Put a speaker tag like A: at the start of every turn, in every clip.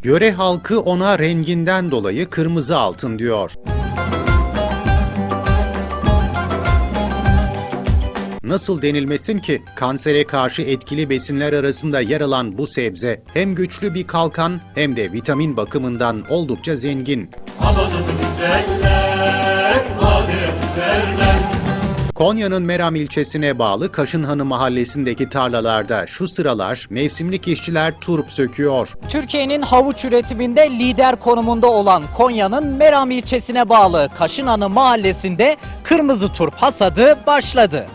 A: Yöre halkı ona renginden dolayı kırmızı altın diyor. Nasıl denilmesin ki kansere karşı etkili besinler arasında yer alan bu sebze hem güçlü bir kalkan hem de vitamin bakımından oldukça zengin. Konya'nın Meram ilçesine bağlı Kaşınhanı mahallesindeki tarlalarda şu sıralar mevsimlik işçiler turp söküyor.
B: Türkiye'nin havuç üretiminde lider konumunda olan Konya'nın Meram ilçesine bağlı Kaşınhanı mahallesinde kırmızı turp hasadı başladı.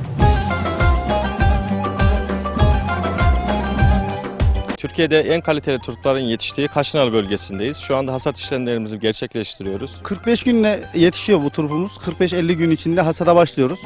C: Türkiye'de en kaliteli turpların yetiştiği Kaşınhanı bölgesindeyiz. Şu anda hasat işlemlerimizi gerçekleştiriyoruz.
D: 45 günle yetişiyor bu turpumuz. 45-50 gün içinde hasada başlıyoruz.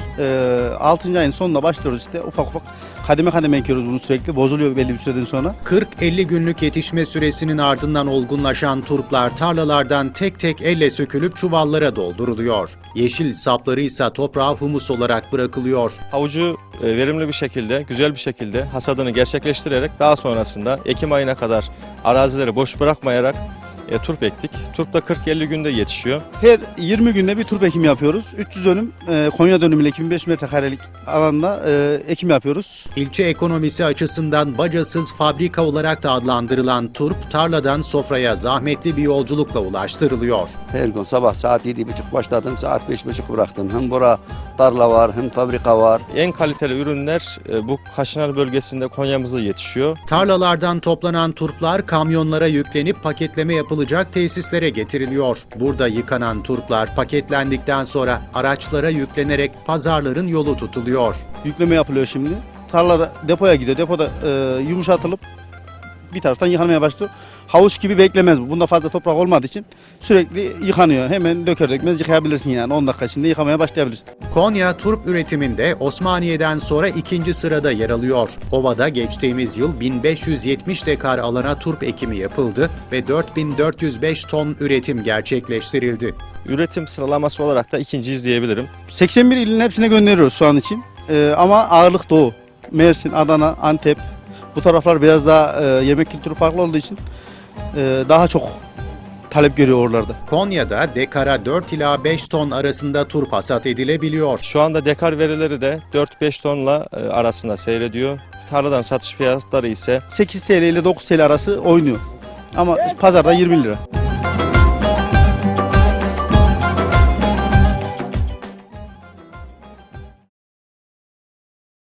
D: 6. ayın sonunda başlıyoruz işte ufak ufak kademe kademe ekiyoruz bunu sürekli. Bozuluyor belli bir süreden sonra.
A: 40-50 günlük yetişme süresinin ardından olgunlaşan turplar tarlalardan tek tek elle sökülüp çuvallara dolduruluyor. Yeşil sapları ise toprağa humus olarak bırakılıyor.
C: Havucu verimli bir şekilde, güzel bir şekilde hasadını gerçekleştirerek daha sonrasında Ekim ayına kadar arazileri boş bırakmayarak turp ektik. Turp da 40-50 günde yetişiyor.
D: Her 20 günde bir turp ekimi yapıyoruz. 300 dönüm Konya dönümüyle 2500 metrekarelik alanda ekim yapıyoruz.
A: İlçe ekonomisi açısından bacasız fabrika olarak da adlandırılan turp tarladan sofraya zahmetli bir yolculukla ulaştırılıyor.
E: Her gün sabah saat 7.30 başladım, saat 5.30 bıraktım. Hem bura tarla var, hem fabrika var.
C: En kaliteli ürünler bu Kaşınhanı bölgesinde Konya'mızda yetişiyor.
A: Tarlalardan toplanan turplar kamyonlara yüklenip paketleme yapılacak tesislere getiriliyor. Burada yıkanan turplar paketlendikten sonra araçlara yüklenerek pazarların yolu tutuluyor.
D: Yükleme yapılıyor şimdi. Tarlada depoya gidiyor. Depoda yumuşatılıp bir taraftan yıkanmaya başlıyor. Havuç gibi beklemez bu. Bunda fazla toprak olmadığı için sürekli yıkanıyor. Hemen döker dökmez yıkayabilirsin yani. 10 dakika içinde yıkamaya başlayabilirsin.
A: Konya turp üretiminde Osmaniye'den sonra ikinci sırada yer alıyor. Ova'da geçtiğimiz yıl 1570 dekar alana turp ekimi yapıldı ve 4405 ton üretim gerçekleştirildi.
C: Üretim sıralaması olarak da ikinciyiz diyebilirim.
D: 81 ilin hepsine gönderiyoruz şu an için. Ama ağırlık Doğu. Mersin, Adana, Antep. Bu taraflar biraz daha yemek kültürü farklı olduğu için daha çok talep görüyor oralarda.
A: Konya'da dekara 4 ila 5 ton arasında turp hasat edilebiliyor.
C: Şu anda dekar verileri de 4-5 tonla arasında seyrediyor. Tarladan satış fiyatları ise
D: 8 TL ile 9 TL arası oynuyor. Ama pazarda 20 lira.